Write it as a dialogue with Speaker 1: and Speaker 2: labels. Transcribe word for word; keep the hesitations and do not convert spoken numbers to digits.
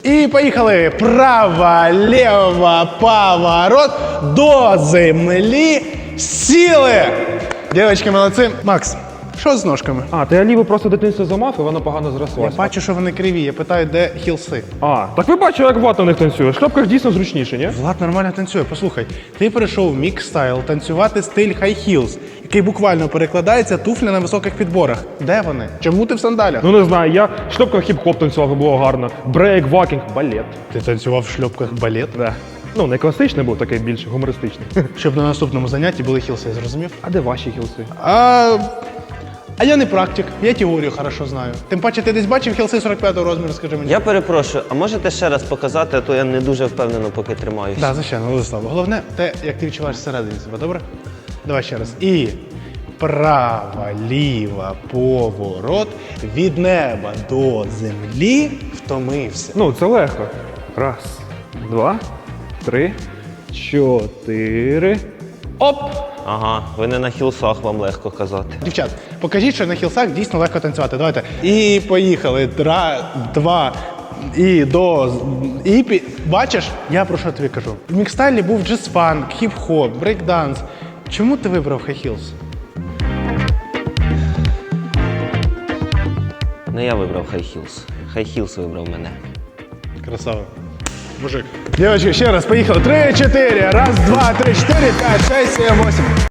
Speaker 1: І поїхали. Права, ліва, поворот, до землі, сіли. Дівчатки, молодці. Макс, що з ножками?
Speaker 2: А, ти ліву просто дитинство замав, і вона погано
Speaker 1: Я
Speaker 2: зрослася.
Speaker 1: бачу, що вони криві. Я питаю, де хілси?
Speaker 2: А, так ви бачите, як Влад на них танцює. В шляпках дійсно зручніше, ні?
Speaker 1: Влад нормально танцює. Послухай, ти перейшов в мікс-стайл танцювати стиль high heels, який буквально перекладається туфля на високих підборах. Де вони? Чому ти в сандалях?
Speaker 2: Ну не знаю, я в шльопках хіп-хоп танцював, і було гарно. Брейк, вакінг, балет.
Speaker 1: Ти танцював в шльопках балет?
Speaker 2: Да. Ну, не класичний був, такий більш гумористичний.
Speaker 1: Щоб на наступному занятті були хілси, зрозумів?
Speaker 2: А де ваші хілси?
Speaker 1: А... а я не практик, я теорію хорошо знаю. Тим паче, ти десь бачив хілси сорок п'ятого розміру, скажи мені.
Speaker 3: Я перепрошую, а можете ще раз показати, а то я не дуже впевнено поки тримаюсь.
Speaker 1: Так, да, звичайно, Владислав. Головне те, як ти відчуваєш всередині себе, добре? Давай ще раз. І права, ліва, поворот, від неба до землі втомився.
Speaker 2: Ну, це легко. Раз, два, три, чотири. Оп!
Speaker 3: Ага, ви не на хілсах, вам легко казати.
Speaker 1: Дівчат, покажіть, що на хілсах дійсно легко танцювати. Давайте. І поїхали. Тра, два, і до... І пі... Бачиш, я про що тобі кажу. В мікстайлі був джаз-фанк, хіп-хоп, брейк-данс. Чому ти вибрав хай хілс?
Speaker 3: Не я вибрав High Heels. High Heels вибрав мене.
Speaker 1: Красава. Мужик. Дівчатки, ще раз, поїхали. Три, чотири. Раз, два, три, чотири, п'ять, шесть, сім, восемь.